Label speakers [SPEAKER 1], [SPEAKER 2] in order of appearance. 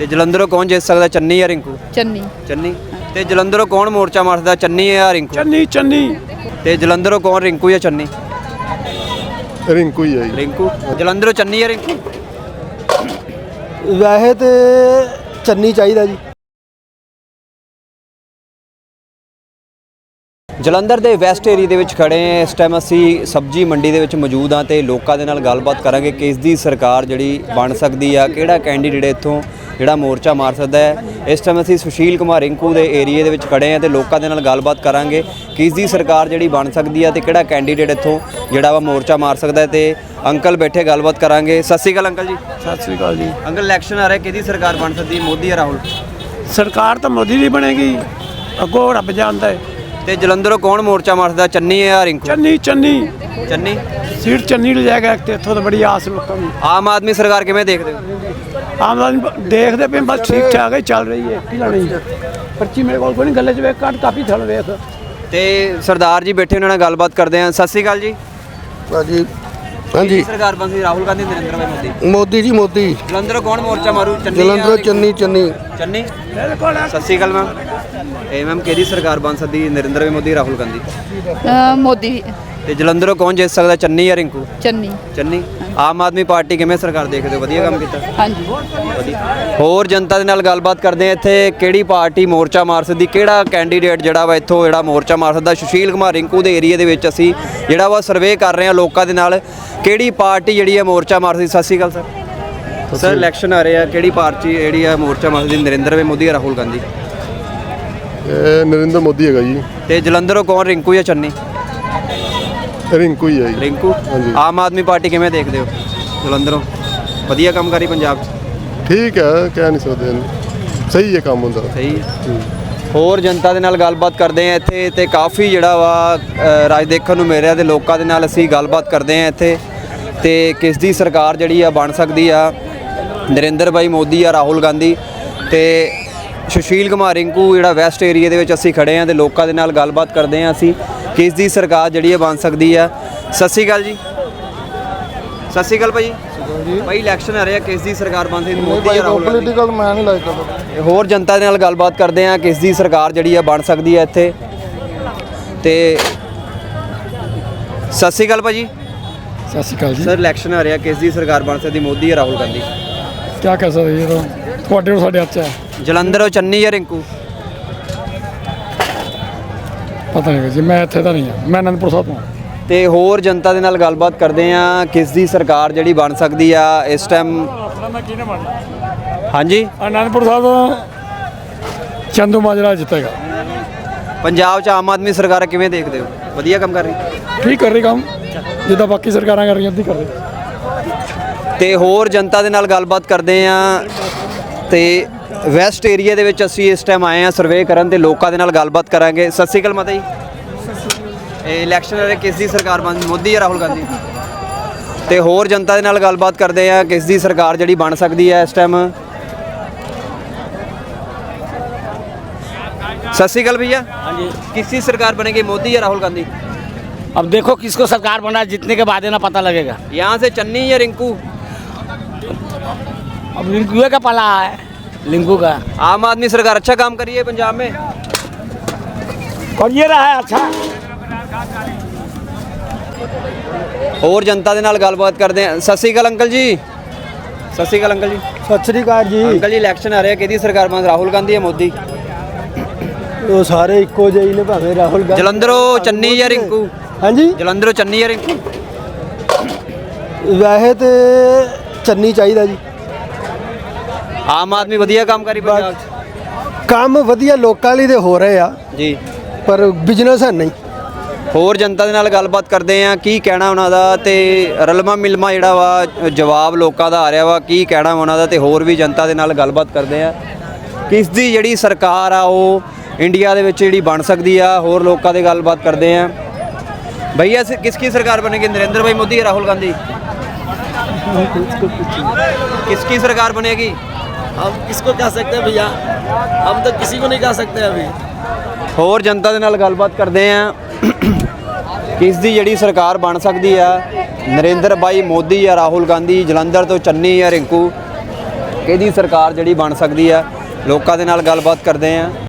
[SPEAKER 1] ਤੇ ਜਲੰਧਰੋਂ ਕੌਣ ਜਿੱਤ ਸਕਦਾ, ਚੰਨੀ ਜਾਂ ਰਿੰਕੂ?
[SPEAKER 2] ਚੰਨੀ।
[SPEAKER 1] ਚੰਨੀ। ਤੇ ਜਲੰਧਰੋਂ ਕੌਣ ਮੋਰਚਾ ਮਾਰਦਾ, ਚੰਨੀ ਜਾਂ ਰਿੰਕੂ?
[SPEAKER 3] ਚੰਨੀ। ਚੰਨੀ।
[SPEAKER 1] ਤੇ ਜਲੰਧਰੋਂ ਕੌਣ, ਰਿੰਕੂ ਜਾਂ ਚੰਨੀ?
[SPEAKER 3] ਰਿੰਕੂ ਹੀ ਹੈ ਜੀ।
[SPEAKER 1] ਰਿੰਕੂ। ਜਲੰਧਰੋਂ ਚੰਨੀ ਜਾਂ ਰਿੰਕੂ?
[SPEAKER 4] ਵੈਸੇ ਤੇ ਚੰਨੀ ਚਾਹੀਦਾ ਜੀ।
[SPEAKER 1] ਜਲੰਧਰ ਦੇ ਵੈਸਟ ਏਰੀਆ ਦੇ ਵਿੱਚ ਖੜੇ ਹਾਂ। ਇਸ ਟਾਈਮ ਅਸੀਂ ਸਬਜ਼ੀ ਮੰਡੀ ਦੇ ਵਿੱਚ ਮੌਜੂਦ ਹਾਂ ਤੇ ਲੋਕਾਂ ਦੇ ਨਾਲ ਗੱਲਬਾਤ ਕਰਾਂਗੇ ਕਿ ਇਸ ਦੀ ਸਰਕਾਰ ਜਿਹੜੀ ਬਣ ਸਕਦੀ ਆ, ਕਿਹੜਾ ਕੈਂਡੀਡੇਟ ਇੱਥੋਂ ਜਿਹੜਾ ਮੋਰਚਾ ਮਾਰ ਸਕਦਾ ਹੈ। ਇਸ ਟਾਈਮ ਅਸੀਂ ਸੁਸ਼ੀਲ ਕੁਮਾਰ ਰਿੰਕੂ ਦੇ ਏਰੀਏ ਦੇ ਵਿੱਚ ਖੜੇ ਹਾਂ ਤੇ ਲੋਕਾਂ ਦੇ ਨਾਲ ਗੱਲਬਾਤ ਕਰਾਂਗੇ ਕਿ ਇਸ ਦੀ ਸਰਕਾਰ ਜਿਹੜੀ ਬਣ ਸਕਦੀ ਆ ਤੇ ਕਿਹੜਾ ਕੈਂਡੀਡੇਟ ਇੱਥੋਂ ਜਿਹੜਾ ਵਾ ਮੋਰਚਾ ਮਾਰ ਸਕਦਾ ਹੈ। ਤੇ ਅੰਕਲ ਬੈਠੇ ਗੱਲਬਾਤ ਕਰਾਂਗੇ। ਸਤਿ ਸ਼੍ਰੀ ਅਕਾਲ ਅੰਕਲ ਜੀ।
[SPEAKER 3] ਸਤਿ ਸ੍ਰੀ ਅਕਾਲ ਜੀ।
[SPEAKER 1] ਅੰਕਲ ਇਲੈਕਸ਼ਨ ਆ ਰਿਹਾ, ਕਿਹਦੀ ਸਰਕਾਰ ਬਣ ਸਕਦੀ ਹੈ, ਮੋਦੀ ਜਾਂ ਰਾਹੁਲ?
[SPEAKER 3] ਸਰਕਾਰ ਤਾਂ ਮੋਦੀ ਦੀ ਬਣੇਗੀ, ਅੱਗੋਂ ਰੱਬ ਜਾਣਦਾ ਹੈ।
[SPEAKER 1] ਤੇ ਜਲੰਧਰੋਂ ਕੌਣ ਮੋਰਚਾ ਮਾਰਦਾ, ਚੰਨੀ ਜਾਂ ਰਿੰਕੂ?
[SPEAKER 3] ਚੰਨੀ। ਚੰਨੀ।
[SPEAKER 1] ਚੰਨੀ।
[SPEAKER 3] ਸੀਟ ਚੰਨੀ ਲੈ ਜਾਏਗਾ ਤੇ ਇੱਥੋਂ ਤਾਂ ਬੜੀ ਆਸ ਲੋਕਾਂ ਨੂੰ।
[SPEAKER 1] ਆਮ ਆਦਮੀ ਸਰਕਾਰ ਕਿਵੇਂ ਦੇਖਦੇ ਹੋ?
[SPEAKER 3] ਆਮ ਆਦਮੀ ਦੇਖਦੇ ਪਏ ਬਸ ਠੀਕ ਠਾਕ ਹੀ ਚੱਲ ਰਹੀ ਹੈ। ਕੀ ਲੈਣੀ ਪਰਚੀ ਮੇਰੇ ਕੋਲ ਕੋਈ ਨਹੀਂ, ਗੱਲੇ 'ਚ ਵੇਖ ਕੱਟ ਕਾਪੀ ਥਲ ਵੇਖ।
[SPEAKER 1] ਤੇ ਸਰਦਾਰ ਜੀ ਬੈਠੇ, ਉਹਨਾਂ ਨਾਲ ਗੱਲਬਾਤ ਕਰਦੇ ਹਾਂ। ਸਤਿ ਸ਼੍ਰੀ ਅਕਾਲ ਜੀ।
[SPEAKER 4] ਭਾਜੀ ਹਾਂਜੀ।
[SPEAKER 1] ਸਰਕਾਰ ਬਣ ਸਕਦੀ, ਰਾਹੁਲ ਗਾਂਧੀ, ਨਰਿੰਦਰ ਭਾਈ ਮੋਦੀ?
[SPEAKER 4] ਮੋਦੀ ਜੀ ਮੋਦੀ।
[SPEAKER 1] ਜਲੰਧਰੋਂ ਕੌਣ ਮੋਰਚਾ ਮਾਰੂ, ਚੰਨੀ?
[SPEAKER 4] ਜਲੰਧਰੋਂ ਚੰਨੀ। ਚੰਨੀ।
[SPEAKER 1] ਚੰਨੀ। ਸਤਿ ਸ਼੍ਰੀ ਅਕਾਲ ਮੈਮ। ਇਹ ਮੈਮ ਕਿਹਦੀ ਸਰਕਾਰ ਬਣ ਸਕਦੀ, ਨਰਿੰਦਰ ਭਾਈ ਮੋਦੀ, ਰਾਹੁਲ ਗਾਂਧੀ?
[SPEAKER 2] ਮੋਦੀ।
[SPEAKER 1] ਤੇ ਜਲੰਧਰੋਂ ਕੌਣ ਜਿੱਤ ਸਕਦਾ, ਚੰਨੀ ਜਾਂ ਰਿੰਕੂ?
[SPEAKER 2] ਚੰਨੀ।
[SPEAKER 1] ਚੰਨੀ। ਆਮ ਆਦਮੀ ਪਾਰਟੀ ਕਿਵੇਂ ਸਰਕਾਰ ਦੇਖਦੇ ਹੋ, ਵਧੀਆ ਕੰਮ ਕੀਤਾ?
[SPEAKER 2] ਹਾਂਜੀ।
[SPEAKER 1] ਹੋਰ ਜਨਤਾ ਦੇ ਨਾਲ ਗੱਲਬਾਤ ਕਰਦੇ ਆ। ਇੱਥੇ ਕਿਹੜੀ ਪਾਰਟੀ ਮੋਰਚਾ ਮਾਰ ਸਕਦੀ, ਕਿਹੜਾ ਕੈਂਡੀਡੇਟ ਜਿਹੜਾ ਵਾ ਇੱਥੋਂ ਜਿਹੜਾ ਮੋਰਚਾ ਮਾਰ ਸਕਦਾ? ਸੁਸ਼ੀਲ ਕੁਮਾਰ ਰਿੰਕੂ ਦੇ ਏਰੀਆ ਦੇ ਵਿੱਚ ਅਸੀਂ ਜਿਹੜਾ ਵਾ ਸਰਵੇ ਕਰ ਰਹੇ ਹਾਂ ਲੋਕਾਂ ਦੇ ਨਾਲ, ਕਿਹੜੀ ਪਾਰਟੀ ਜਿਹੜੀ ਹੈ ਮੋਰਚਾ ਮਾਰ ਸਕਦੀ? ਸਤਿ ਸ਼੍ਰੀ ਅਕਾਲ ਸਰ। ਸਰ ਇਲੈਕਸ਼ਨ ਆ ਰਹੇ ਆ, ਕਿਹੜੀ ਪਾਰਟੀ ਜਿਹੜੀ ਆ ਮੋਰਚਾ ਮਾਰ ਸਕਦੀ, ਨਰਿੰਦਰ ਭਾਈ ਮੋਦੀ ਜਾਂ ਰਾਹੁਲ ਗਾਂਧੀ?
[SPEAKER 3] ਇਹ ਨਰਿੰਦਰ ਮੋਦੀ ਹੈਗਾ ਜੀ।
[SPEAKER 1] ਤੇ ਜਲੰਧਰੋਂ ਕੌਣ, ਰਿੰਕੂ ਜਾਂ ਚੰਨੀ?
[SPEAKER 3] ਰਿੰਕੂ ਹੀ ਹੈ ਜੀ।
[SPEAKER 1] ਰਿੰਕੂ। ਆਮ ਆਦਮੀ ਪਾਰਟੀ ਕਿਵੇਂ ਦੇਖਦੇ ਹੋ ਜਲੰਧਰੋਂ, ਵਧੀਆ ਕੰਮ ਕਰੀ ਪੰਜਾਬ 'ਚ?
[SPEAKER 3] ਠੀਕ ਹੈ, ਕਹਿ ਨਹੀਂ ਸਕਦੇ, ਸਹੀ ਹੈ ਕੰਮ ਹੁੰਦਾ।
[SPEAKER 1] ਸਹੀ ਹੈ। ਹੋਰ ਜਨਤਾ ਦੇ ਨਾਲ ਗੱਲਬਾਤ ਕਰਦੇ ਆ ਇੱਥੇ ਤੇ ਕਾਫੀ ਜਿਹੜਾ ਵਾ ਰਾਜ ਦੇਖਣ ਨੂੰ ਮਿਲ ਰਿਹਾ ਤੇ ਲੋਕਾਂ ਦੇ ਨਾਲ ਅਸੀਂ ਗੱਲਬਾਤ ਕਰਦੇ ਆ ਇੱਥੇ ਤੇ ਕਿਸ ਦੀ ਸਰਕਾਰ ਜਿਹੜੀ ਆ ਬਣ ਸਕਦੀ ਆ, ਨਰਿੰਦਰ ਭਾਈ ਮੋਦੀ ਜਾਂ ਰਾਹੁਲ ਗਾਂਧੀ? ਤੇ ਸੁਸ਼ੀਲ ਕੁਮਾਰ ਰਿੰਕੂ ਜਿਹੜਾ ਵੈਸਟ ਏਰੀਆ ਦੇ ਵਿੱਚ ਅਸੀਂ ਖੜੇ ਆ ਤੇ ਲੋਕਾਂ ਦੇ ਨਾਲ ਗੱਲਬਾਤ ਕਰਦੇ ਆ ਅਸੀਂ ਕਿਸ ਦੀ ਸਰਕਾਰ ਜਿਹੜੀ ਹੈ ਬਣ ਸਕਦੀ ਆ। ਸਤਿ ਸ਼੍ਰੀ ਅਕਾਲ ਜੀ। ਸਤਿ ਸ਼੍ਰੀ ਅਕਾਲ ਭਾਈ। ਭਾਈ ਇਲੈਕਸ਼ਨ ਆ ਰਿਹਾ, ਕਿਸ ਦੀ ਸਰਕਾਰ ਬਣ ਸਕਦੀ, ਮੋਦੀ ਜਾਂ ਰਾਹੁਲ ਗਾਂਧੀ?
[SPEAKER 4] ਪੋਲੀਟੀਕਲ ਮੈਂ ਨਹੀਂ ਲੱਗਦਾ।
[SPEAKER 1] ਹੋਰ ਜਨਤਾ ਦੇ ਨਾਲ ਗੱਲਬਾਤ ਕਰਦੇ ਆ ਕਿਸ ਦੀ ਸਰਕਾਰ ਜਿਹੜੀ ਆ ਬਣ ਸਕਦੀ ਹੈ ਇੱਥੇ ਤੇ ਸਤਿ ਸ਼੍ਰੀ ਅਕਾਲ ਭਾਜੀ।
[SPEAKER 4] ਸਤਿ ਸ਼੍ਰੀ ਅਕਾਲ ਜੀ।
[SPEAKER 1] ਸਰ ਇਲੈਕਸ਼ਨ ਆ ਰਿਹਾ, ਕਿਸ ਦੀ ਸਰਕਾਰ ਬਣ ਸਕਦੀ, ਮੋਦੀ ਜਾਂ ਰਾਹੁਲ ਗਾਂਧੀ?
[SPEAKER 4] ਕੀ ਕਹਿ ਸਕਦੇ ਜੀ, ਤੁਹਾਡੇ ਕੋਲ ਸਾਡੇ ਹੱਥ 'ਚ ਹੈ।
[SPEAKER 1] ਜਲੰਧਰੋਂ ਚੰਨੀ ਜਾਂ ਰਿੰਕੂ?
[SPEAKER 4] ਪਤਾ ਨਹੀਂ ਜੀ, ਮੈਂ ਇੱਥੇ ਤਾਂ ਨਹੀਂ ਹਾਂ, ਮੈਂ ਅਨੰਦਪੁਰ ਸਾਹਿਬ ਤੋਂ।
[SPEAKER 1] ਤੇ ਹੋਰ ਜਨਤਾ ਦੇ ਨਾਲ ਗੱਲਬਾਤ ਕਰਦੇ ਆ ਕਿਸ ਦੀ ਸਰਕਾਰ ਜਿਹੜੀ ਬਣ ਸਕਦੀ ਆ ਇਸ ਟਾਈਮ? ਹਾਂਜੀ।
[SPEAKER 4] ਅਨੰਦਪੁਰ ਸਾਹਿਬ ਤੋਂ ਚੰਦੂ ਮਾਜਰਾ ਜਿੱਤੇਗਾ।
[SPEAKER 1] ਪੰਜਾਬ 'ਚ ਆਮ ਆਦਮੀ ਸਰਕਾਰ ਕਿਵੇਂ ਦੇਖਦੇ ਹੋ, ਵਧੀਆ ਕੰਮ ਕਰ ਰਹੀ?
[SPEAKER 4] ਠੀਕ ਕਰ ਰਹੀ ਕੰਮ, ਜਿੱਦਾਂ ਬਾਕੀ ਸਰਕਾਰਾਂ ਕਰ ਰਹੀਆਂ ਉੱਦਾਂ ਕਰ ਰਹੀ।
[SPEAKER 1] ਤੇ ਹੋਰ ਜਨਤਾ ਦੇ ਨਾਲ ਗੱਲਬਾਤ ਕਰਦੇ ਆ ਤੇ ਵੈਸਟ ਏਰੀਆ ਦੇ ਵਿੱਚ ਅਸੀਂ ਇਸ ਟਾਈਮ ਆਏ ਆ ਸਰਵੇ ਕਰਨ ਤੇ ਲੋਕਾਂ ਦੇ ਨਾਲ ਗੱਲਬਾਤ ਕਰਾਂਗੇ। ਸਤਿ ਸ਼੍ਰੀ ਅਕਾਲ ਮਾਤਾ ਜੀ। ਇਹ ਇਲੈਕਸ਼ਨ ਵਾਲੇ ਕਿਸ ਦੀ ਸਰਕਾਰ ਬਣ, ਮੋਦੀ ਜਾਂ ਰਾਹੁਲ ਗਾਂਧੀ? ਤੇ ਹੋਰ ਜਨਤਾ ਦੇ ਨਾਲ ਗੱਲਬਾਤ ਕਰਦੇ ਆ ਕਿਸ ਦੀ ਸਰਕਾਰ ਜਿਹੜੀ ਬਣ ਸਕਦੀ ਹੈ ਇਸ ਟਾਈਮ? सत श्रीकाल भैया।
[SPEAKER 5] हाँ जी।
[SPEAKER 1] किसकी सरकार बनेगी, मोदी या राहुल गांधी?
[SPEAKER 5] अब देखो किसको सरकार बना, जीतने के बाद ना पता लगेगा।
[SPEAKER 1] यहाँ से चन्नी या रिंकू?
[SPEAKER 5] अब लिंकू का पला है, लिंकू का।
[SPEAKER 1] आम आदमी सरकार अच्छा काम करी है पंजाब में,
[SPEAKER 5] और ये रहा है अच्छा।
[SPEAKER 1] और जनता ਦੇ ਨਾਲ ਗੱਲਬਾਤ ਕਰਦੇ ਆ। ਸਤਿ ਸ਼੍ਰੀ ਅਕਾਲ ਅੰਕਲ ਜੀ। ਸਤਿ ਸ਼੍ਰੀ ਅਕਾਲ ਅੰਕਲ ਜੀ।
[SPEAKER 4] ਸਤਿ ਸ਼੍ਰੀ ਅਕਾਲ ਜੀ।
[SPEAKER 1] ਅੰਕਲ ਜੀ ਇਲੈਕਸ਼ਨ ਆ ਰਿਹਾ, ਕਿਹਦੀ ਸਰਕਾਰ ਬਣ, ਰਾਹੁਲ ਗਾਂਧੀ ਜਾਂ ਮੋਦੀ?
[SPEAKER 4] ਉਹ ਸਾਰੇ ਇੱਕੋ ਜਿਹੇ ਹੀ ਨੇ, ਭਾਵੇਂ ਰਾਹੁਲ ਗਾਂਧੀ।
[SPEAKER 1] ਜਲੰਧਰੋਂ ਚੰਨੀ ਜਾਂ ਰਿੰਕੂ?
[SPEAKER 4] ਹਾਂਜੀ।
[SPEAKER 1] ਜਲੰਧਰੋਂ ਚੰਨੀ ਜਾਂ ਰਿੰਕੂ?
[SPEAKER 4] ਵੈਸੇ ਤੇ ਚੰਨੀ ਚਾਹੀਦਾ ਜੀ।
[SPEAKER 1] ਆਮ ਆਦਮੀ ਵਧੀਆ ਕੰਮ ਕਰੀ ਪੰਜਾਬ 'ਚ?
[SPEAKER 4] ਕੰਮ ਵਧੀਆ ਲੋਕਾਂ ਲਈ ਤੇ ਹੋ ਰਹੇ ਆ
[SPEAKER 1] ਜੀ,
[SPEAKER 4] ਪਰ ਬਿਜ਼ਨਸ ਹੈ ਨਹੀਂ।
[SPEAKER 1] ਹੋਰ ਜਨਤਾ ਦੇ ਨਾਲ ਗੱਲਬਾਤ ਕਰਦੇ ਆ, ਕੀ ਕਹਿਣਾ ਉਹਨਾਂ ਦਾ ਤੇ ਰਲਮਾ ਮਿਲਮਾ ਜਿਹੜਾ ਵਾ ਜਵਾਬ ਲੋਕਾਂ ਦਾ ਆ ਰਿਹਾ ਵਾ, ਕੀ ਕਹਿਣਾ ਉਹਨਾਂ ਦਾ। ਤੇ ਹੋਰ ਵੀ ਜਨਤਾ ਦੇ ਨਾਲ ਗੱਲਬਾਤ ਕਰਦੇ ਆ ਕਿਸ ਦੀ ਜਿਹੜੀ ਸਰਕਾਰ ਆ ਉਹ इंडिया ਦੇ ਵਿੱਚ ਜਿਹੜੀ ਬਣ ਸਕਦੀ ਆ। ਹੋਰ ਲੋਕਾਂ ਦੇ ਗੱਲਬਾਤ ਕਰਦੇ ਆ। भैया किसकी सरकार बनेगी, नरेंद्र भाई मोदी या राहुल गांधी? किसकी सरकार बनेगी?
[SPEAKER 6] हम किसको कह सकते हैं भैया, हम तो किसी को नहीं कह सकते अभी।
[SPEAKER 1] ਹੋਰ ਜਨਤਾ ਦੇ ਨਾਲ ਗੱਲਬਾਤ ਕਰਦੇ ਆ ਕਿਸ ਦੀ ਜਿਹੜੀ ਸਰਕਾਰ ਬਣ ਸਕਦੀ ਆ, ਨਰਿੰਦਰ ਭਾਈ ਮੋਦੀ ਜਾਂ ਰਾਹੁਲ ਗਾਂਧੀ? ਜਲੰਧਰ ਤੋਂ ਚੰਨੀ ਜਾਂ ਰਿੰਕੂ? ਕਿਹਦੀ ਸਰਕਾਰ ਜਿਹੜੀ ਬਣ ਸਕਦੀ ਆ ਲੋਕਾਂ ਦੇ ਨਾਲ ਗੱਲਬਾਤ ਕਰਦੇ ਆ।